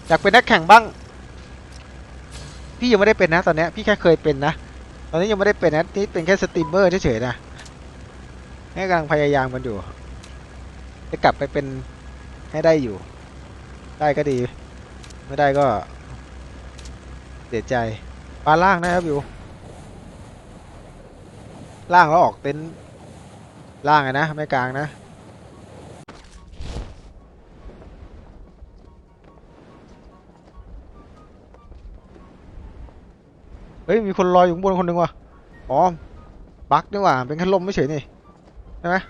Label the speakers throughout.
Speaker 1: อยากเป็นนักแข่งบ้างพี่ยังไม่ได้เป็นนะตอนนี้พี่แค่เคยเป็นนะตอนนี้ยังไม่ได้เป็นนะนี่เป็นแค่สตรีมเมอร์เฉยๆนะแค่กำลังพยายามกันอยู่จะกลับไปเป็นให้ได้อยู่ได้ก็ดีไม่ได้ก็เสียใจปลาล่างนะครับอยู่ล่างแล้วออกเต็นท์ล่างไงนะไม่กลางนะเฮ้ยมีคนลอยอยู่ข้างบนคนหนึ่งว่ะอ๋อบั๊กนี่หว่าเป็นแค่ลมไม่เฉยนี่ใช่ไหม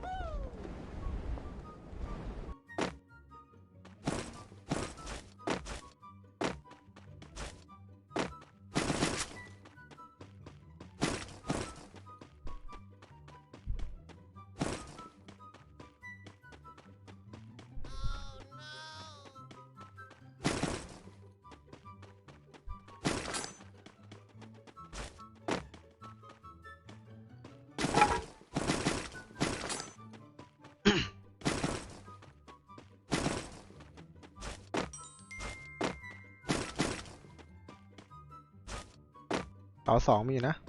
Speaker 1: เสาสองมีอยู่นะ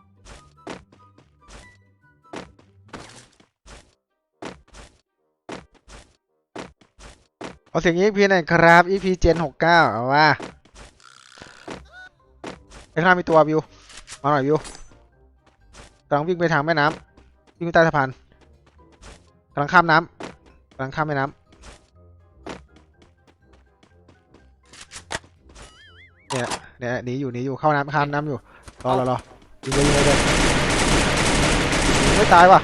Speaker 1: เอาเสียง EP หน่อยครับ EP Gen 69เอาว่าไอ้ข้างมีตัววิวมาหน่อยวิวกำลังวิ่งไปทางแม่น้ำวิ่งไปใต้สะพานกำลังข้ามน้ำกำลังข้ามแม่น้ำเนี่ยหนีอยู่เข้าน้ำข้ามน้ำอยู่รอยิงเลยไม่ตายว่ะ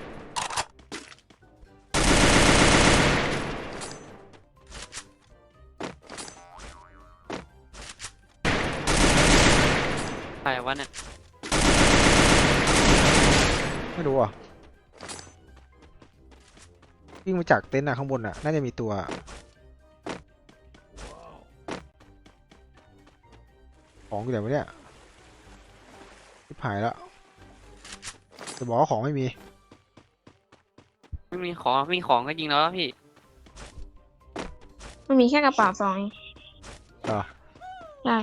Speaker 2: ใครวะเนี่ย
Speaker 1: ไม่รู้อ่ะวิ่งมาจากเต็นท์ข้างบนน่าจะมีตัวของอยู่ไหนวะเนี่ยที่หายแล้วจะบอกว่าของไม่มี
Speaker 2: ไม่มีของก็ยิงแล้วพี่
Speaker 3: มันมีแค่กระเป๋า2เอง
Speaker 1: เหรอ
Speaker 3: ได้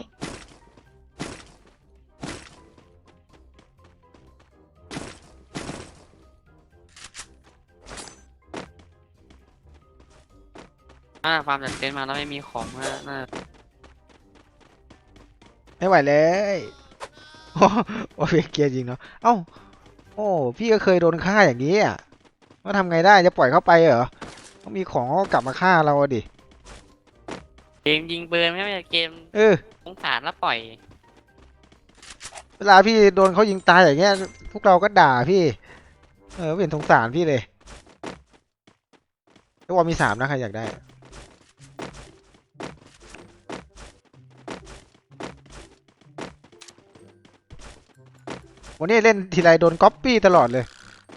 Speaker 2: ฟาร์มจากเต็นท์มาแล้วไม่มีของน่า
Speaker 1: ไม่ไหวเลยโอ้ยเกียร์จริงเนาะเอ้าโอ้พี่ก็เคยโดนฆ่าอย่างนี้อ่ะว่าทำไงได้จะปล่อยเข้าไปเหรอต้องมีของก็กลับมาฆ่าเราดิ
Speaker 2: เกมยิงปืนไม่ใช่เกมสงสารแล้วปล่อย
Speaker 1: เวลาพี่โดนเขายิงตายอย่างเงี้ยพวกเราก็ด่าพี่ไม่เห็นสงสารพี่เลยแล้วว่ามี3นะใครอยากได้วันนี้เล่นทีไรโดนก๊อปปี้ตลอดเลย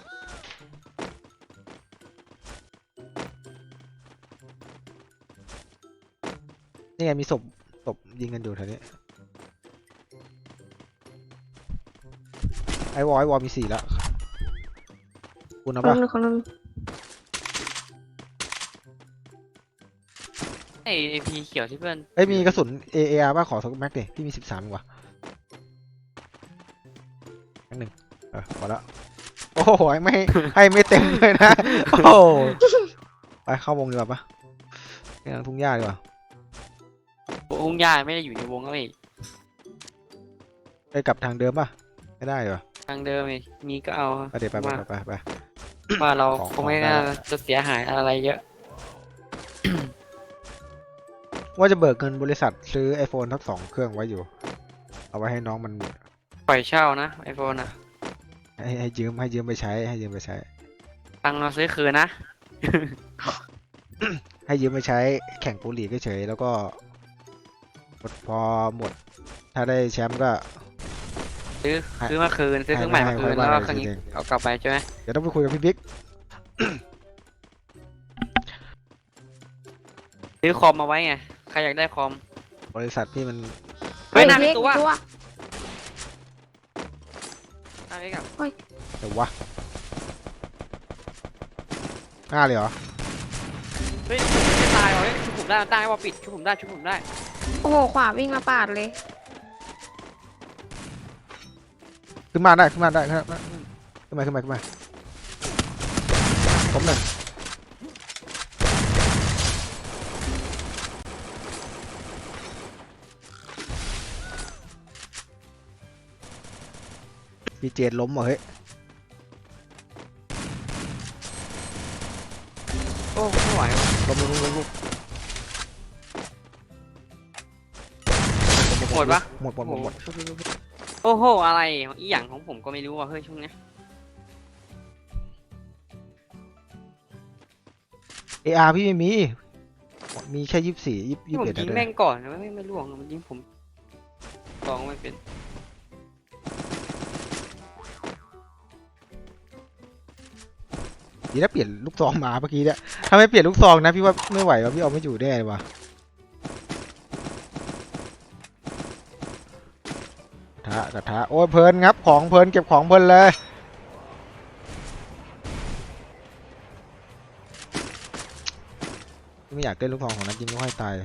Speaker 1: นี่ไงมีศพยิงกันอยู่แถวนี้ไอวอลมี4แล้วคุณเอาปะ
Speaker 3: คนนึง
Speaker 2: ไอพีเขียวที่เพื่อน
Speaker 1: มีกระสุน AAR ป่ะขอสักแม็กดิพี่มี13ดีกว่าแม็กหนึ่งพอแล้วโอ้โหไม่ให้ไม่เต็มเลยนะโอ้ไปเข้าวงดีกว่าปะไปทางทุ่งหญ้าดีกว่า
Speaker 2: วงยาไม่ได้อยู่ในวงแล้วอีก
Speaker 1: ไปกลับทางเดิมป่ะไม่ได้เหรอ
Speaker 2: ทางเดิมมีก็เอา
Speaker 1: ไปเดี๋ยวไป
Speaker 2: ว่าเราคงไม่น่าจะเสียหายอะไรเยอะ
Speaker 1: ว่าจะเบิกเงินบริษัทซื้อ iPhone ทั้ง2เครื่องไว้อยู่เอาไว้ให้น้องมัน
Speaker 2: ปล่อยเช่านะไอโฟน
Speaker 1: ให้ยืมไปใช้
Speaker 2: ตังเราซื้อคืนนะ
Speaker 1: ให้ยืมไปใช้แข่งโปรลีกเฉยแล้วก็พอหมดถ้าได้แชมป์ก็
Speaker 2: ซื้อมาคืนซื้อเครื่องใหม่มาคืนแล้วก็เครื่องนี้เอากลับไปใช่ไหม
Speaker 1: เดี๋ยวต้องไปคุยกับพี่บิ๊ก
Speaker 2: ซื้อคอมมาไว้ไงใครอยากได้คอม
Speaker 1: บริษัทพี่มัน
Speaker 2: ไม่น่ามีตัว
Speaker 1: เดี๋ยววะ5เลยเหรอ
Speaker 2: เฮ้ยผมไม่ตายหรอเฮ้ยผมผมได้ตั้งให้ว่าปิดชุบผมได้ชุบผมได้
Speaker 3: โอ้โหขวาวิ่งมาปาดเลย
Speaker 1: ขึ้นมาได้ขึ้นมาได้ขึ้นมาขึ้นมาขึ้นมาขึ้นมาผมหนึ่งพี่เจดล้มเหรอเฮ้ย
Speaker 2: โอ้ไม่ไหวว่ะ
Speaker 1: ล้ม
Speaker 2: หมดปะ
Speaker 1: หมด
Speaker 2: โอ้โหอะไรอีหยังของผมก็ไม่รู้ว่ะเฮ้ยช่วงเนี้ย
Speaker 1: AR พี่ไม่มีมีแค่24
Speaker 2: ที่ผม
Speaker 1: 21
Speaker 2: ยิง
Speaker 1: นะ
Speaker 2: แม่งก่อนนะไม่ล่วงมันยิงผมลองไม่เป็น
Speaker 1: ดีนะเปลี่ยนลูกซองมาเมื่อกี้เนี่ยถ้าไม่เปลี่ยนลูกซองนะพี่ว่าไม่ไหวว่ะพี่เอาไม่อยู่แน่เลยว่ะกระทะโอ้ยเพลินครับของเพลินเก็บของเพลินเลยไม่อยากเล่นลูกซองของนักยิงก็ให้ตายเลย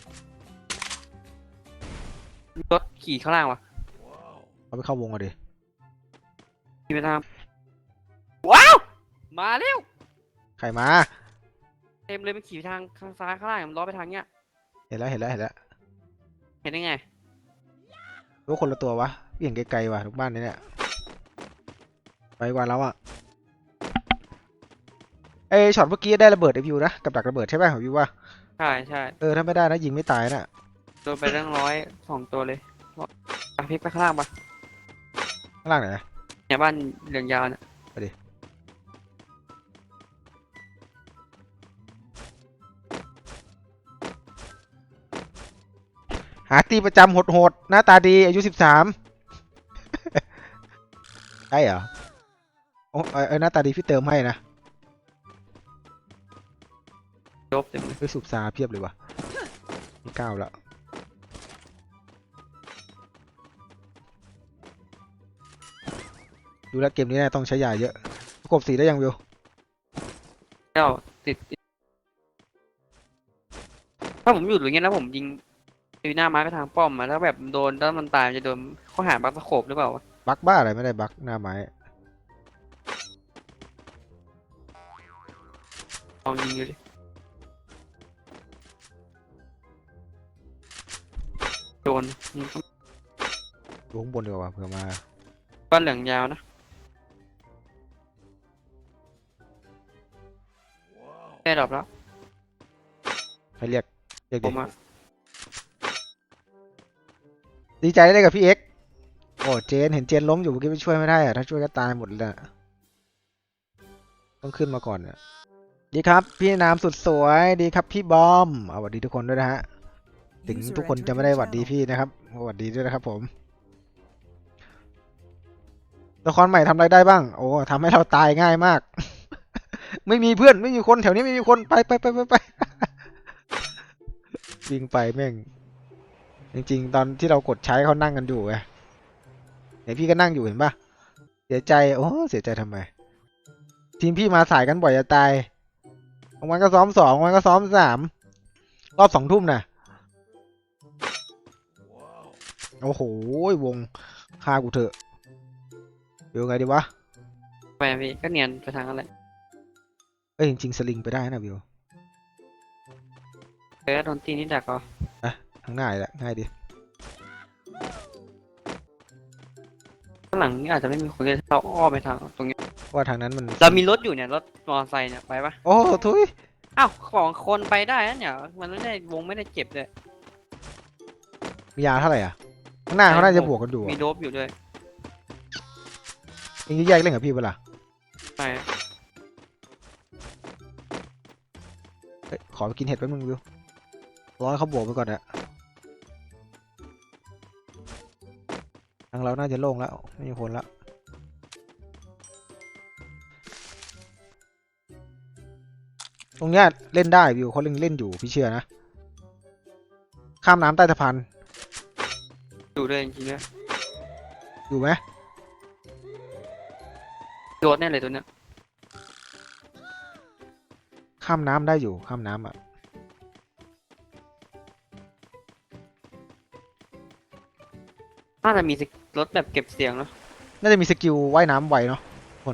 Speaker 2: รถขี่ข้างล่างวะ
Speaker 1: เอาไปเข้าวงกันดิ
Speaker 2: ขี่ไปทางว้าวมาเร็ว
Speaker 1: ใครมา
Speaker 2: เต็มเลยมันขี่ไปทางข้างซ้ายข้างล่างมันล้อไปทางเนี้ย
Speaker 1: เห็นแล้ว
Speaker 2: เห็นได้ไง
Speaker 1: รู้คนละตัววะพี่เห็นไกลๆว่ะทุกบ้านเนี่ยไปกว่าแล้วอ่ะไอช็อตเมื่อกี้ได้ระเบิดไอวิวนะกับดักระเบิดใช่ไหมของวิวว่า
Speaker 2: ใช่ใช่
Speaker 1: ถ้าไม่ได้นะยิงไม่ตายน่ะ
Speaker 2: โดนไปตั้ง102ตัวเลยพลิกไปข้างล่างปะ
Speaker 1: ข้างล่างไหน
Speaker 2: เนี่ยบ้านเหลืองยาวเนี่ย
Speaker 1: หาตีประจำโหดๆหน้าตาดีอายุ13ใช่เหรอโอ้หน้าตาดีพี่เติมให้นะ
Speaker 2: จบเต็มเลย
Speaker 1: ไปสูบซาเพียบเลยว่ะมี9แล้วดูแลวเกมนี้น่าต้องใช้ยาเยอะประกบสีได้ยังวิว
Speaker 2: เจ้าติดถ้าผมอยู่อย่างเงี้ยแล้วผมยิงตีหน้าไม้ไปทางป้อมมาแล้วแบบโดนแล้วมันตายมันจะโดนข้อหาบัคสโคปหรือเปล่าวะ
Speaker 1: บักบ้าอะไรไม่ได้บักหน้าไม้
Speaker 2: ลองยิงดูดิโดนยิง
Speaker 1: ดูข้างบนดีกว่าเผื่อมา
Speaker 2: บ้านเหลืองยาวนะได้ดรอปแล้ว
Speaker 1: ให้เรียก
Speaker 2: ผ
Speaker 1: ดิ
Speaker 2: มอะ
Speaker 1: ดีใจได้กับพี่เอ็กซ์โอ้เจนเห็นเจนล้มอยู่เมื่อกี้ไปช่วยไม่ได้อะถ้าช่วยก็ตายหมดเลยอะต้องขึ้นมาก่อนอะดีครับพี่นามสุดสวยดีครับพี่บอมสวัสดีทุกคนด้วยนะฮะถึงทุกคนจะไม่ได้หวัดดีพี่นะครับหวัดดีด้วยนะครับผมละครใหม่ทำอะไรได้บ้างโอ้ทำให้เราตายง่ายมาก ไม่มีเพื่อนไม่มีคนแถวนี้ไม่มีคนไปวิ่งไปแม่งจริงๆตอนที่เรากดใช้เขานั่งกันอยู่ไงเห็นพี่ก็นั่งอยู่เห็นปะเสียใจโอ้เสียใจทำไมทีมพี่มาสายกันบ่อยจะตายบางวันก็ซ้อม2วันก็ซ้อม3รอบ2 ทุ่มน่ะโอ้โหวงฆ่ากูเถอะเดี๋ยวไงดีวะ
Speaker 2: ไปพี่ก็เนียนไปทางอะไร
Speaker 1: จริงๆสลิงไปได้นะวิว
Speaker 2: โดนตีนี่ดักเหรอ
Speaker 1: ทางหน้าแหละง่ายดี
Speaker 2: ข้างหลังนี่อาจจะไม่มีคนเลยเราอ้อมไปทางตรงนี้
Speaker 1: ว่าทางนั้นมัน
Speaker 2: เรามีรถอยู่เนี่ยรถมอเตอร์ไซค์เนี่ยไปปะ
Speaker 1: โอ้ทุย
Speaker 2: อ้าวของคนไปได้นะเนี่ยมันไม่ได้วงไม่ได้เจ็บเลย
Speaker 1: มียาเท่าไหร่อ่ะข้างหน้าเขาน่าจะบวกกันอยู่
Speaker 2: มีโดบอยู่ด้วย
Speaker 1: ยิงแยกเล่นกับพี่เปะล่า
Speaker 2: ใช่
Speaker 1: ขอไปกินเห็ดแป๊บนึงวิวร้อยเขาบวกไปก่อนอะทางเราน่าจะโล่งแล้วไม่มีคนแล้วตรงเนี้ยเล่นได้วิวเขาเล่นอยู่พี่เชื่อนะข้ามน้ำใต้สะพาน
Speaker 2: อยู่ด้วยจริงๆด้วย
Speaker 1: อยู่ไหม
Speaker 2: โดดแน่เลยตัวเนี้ย
Speaker 1: ข้ามน้ำได้อยู่ข้ามน้ำอ่ะ
Speaker 2: น่าจะมีรถแบบเก็บเสียงเนาะ
Speaker 1: น่าจะมีสกิลว่ายน้ำไวเนาะคน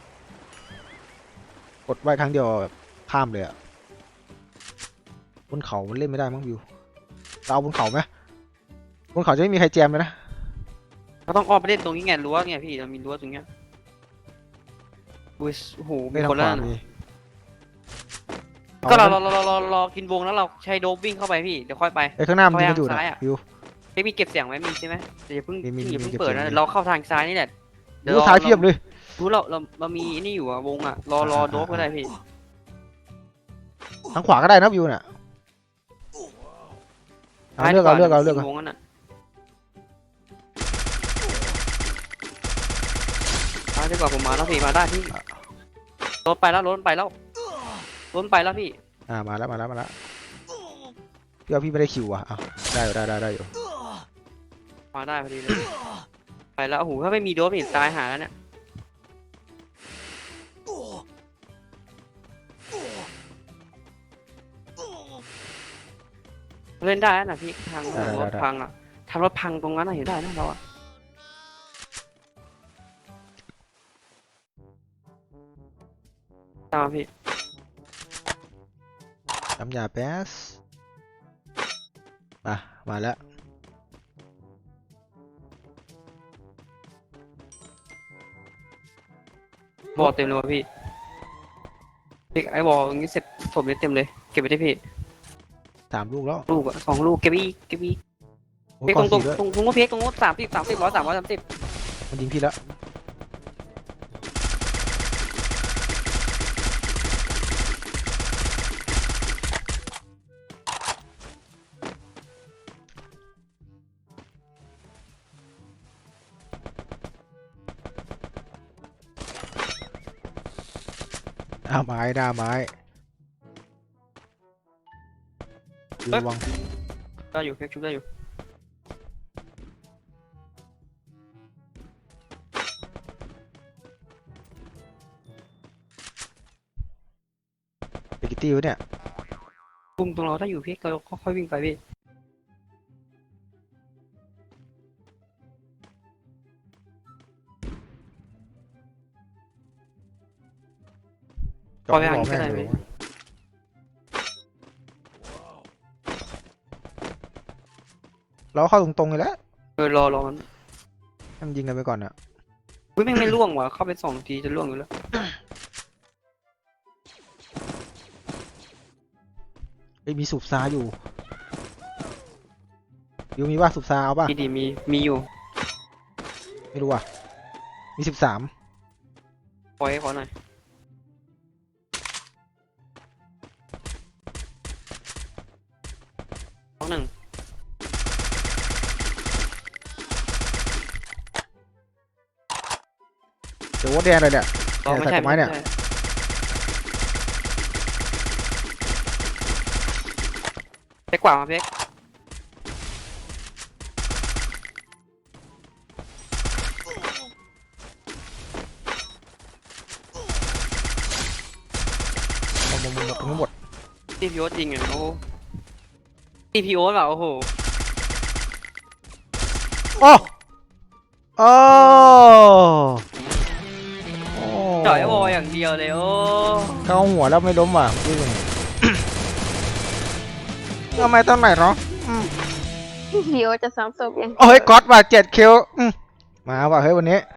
Speaker 1: กดว่ายครั้งเดียวแบบข้ามเลยอะบนเขามันเล่นไม่ได้มั้งวิวเราเอาบนเขาไหมบนเขาจะไม่มีใครแจมเลยนะ
Speaker 2: เราต้องอ้อมไปเล่นตรงนี้ไงรั้วไงพี่เรามีรั้วตรงเนี้ยอุ้ยโอ้โหมี
Speaker 1: ไม่ทาง
Speaker 2: คน
Speaker 1: ข
Speaker 2: แล้ว
Speaker 1: วา
Speaker 2: นะ
Speaker 1: มี
Speaker 2: ก็เรา
Speaker 1: อ
Speaker 2: รอกินวงแล้วเราใช้โดบวิ่งเข้าไปพี่เดี๋ยวค่อยไป
Speaker 1: ไอ้ข้างหน้ามันยิงกันอยู่
Speaker 2: เข้า
Speaker 1: นะ
Speaker 2: ไปทางซ้ายอะ
Speaker 1: วิว
Speaker 2: เฮ้ยมีเก็บเสียงไหมมีใช่ไหมแต่อย่าเพิ่ง
Speaker 1: มี
Speaker 2: อย่าเพิ่ง
Speaker 1: เก็บ
Speaker 2: เปิด
Speaker 1: เสียง
Speaker 2: นะ
Speaker 1: มี
Speaker 2: เราเข้าทางซ้ายนี่แหละ
Speaker 1: วิวซ้ายเพียบเลย
Speaker 2: รู้เรามีนี่อยู่อะวงอะรอโดบก็ได้พี่
Speaker 1: ทางขวาก็ได้นะวิวเนี่ยเอาเลือกเอา
Speaker 2: วงนั้นอะซ้ายดีกว่าผมมาแล้วพี่มาได้พี่รถไปแล้วพี่
Speaker 1: มาแล้วพี่ว่าพี่ไม่ได้คิวอ่ะเอาได้อยู่
Speaker 2: มาได้พอดีเลยไปแล้วโอ้โหถ้าไม่มีโดบนี่ตายหาแล้วเนี่ยเล่นได้นะพี่ทางรถพังอะทางรถพังตรงนั้นอะเห็นได้นะเราอะตามมาพี่
Speaker 1: น้ำยาแป๊สมาแล้ว
Speaker 2: บอลเต็มเลยว่ะพี่พี่ไอ้บอลอย่างนี้เสร็จผมเลยเต็มเลยเก็บไปที่พี่
Speaker 1: 3 ลูกแล้ว
Speaker 2: ลูกอะ2 ลูกเก็บอีก
Speaker 1: โอ้
Speaker 2: พี่
Speaker 1: ก่อน
Speaker 2: ตรง
Speaker 1: 4ด้วย
Speaker 2: ตรงก็เพียกตรงโน้ต30 130
Speaker 1: มันยิงพี่แล้วหน้าไม้ระวัง
Speaker 2: ได้อยู่เพียกชุบได้อยู่
Speaker 1: เบกิตี้วะเนี่ย
Speaker 2: ปุ่มตรงเราถ้าอยู่เพียกเราค่อยๆวิ่งไปพี่
Speaker 1: จอดหัวแม่งเลยเราเข้าตรงๆเลยแล้ว
Speaker 2: รอมัน
Speaker 1: ให้มันยิงกันไปก่อนอะ
Speaker 2: อุ้ยไม่ล่วงว่ะเข้าไป2 ทีจะล่วงอยู่แล้ว
Speaker 1: มีสูบซาอยู่ยูมีว่าสูบซาเอาป่ะ
Speaker 2: ดีมีอยู่
Speaker 1: ไม่รู้อ่ะมี13
Speaker 2: ปล่อยให้ขอหน่อย1
Speaker 1: เดี๋ยววัดแดงเลยเนี่ย
Speaker 2: รอไม่
Speaker 1: ใส่
Speaker 2: ใช่
Speaker 1: กฎหมายเนี่ย
Speaker 2: เพียกกว่ามาเพียก
Speaker 1: หมด
Speaker 2: ทีพีโอจริงอ่ะโอ้ทีพีโอแบบโอ้โห
Speaker 1: โอ้โอ้
Speaker 2: จ่อยไอ้บอลอย่างเดียวเลยโอ้
Speaker 1: เข้าหัวแล้วไม่ล้มว่ะพี่ทำไมตอนไหนเนาะ
Speaker 3: เดี๋ยวจะซ้ำศพยัง
Speaker 1: โอ้ยก๊อตว่ะ7 คิวมาว่ะเฮ้ยวันนี้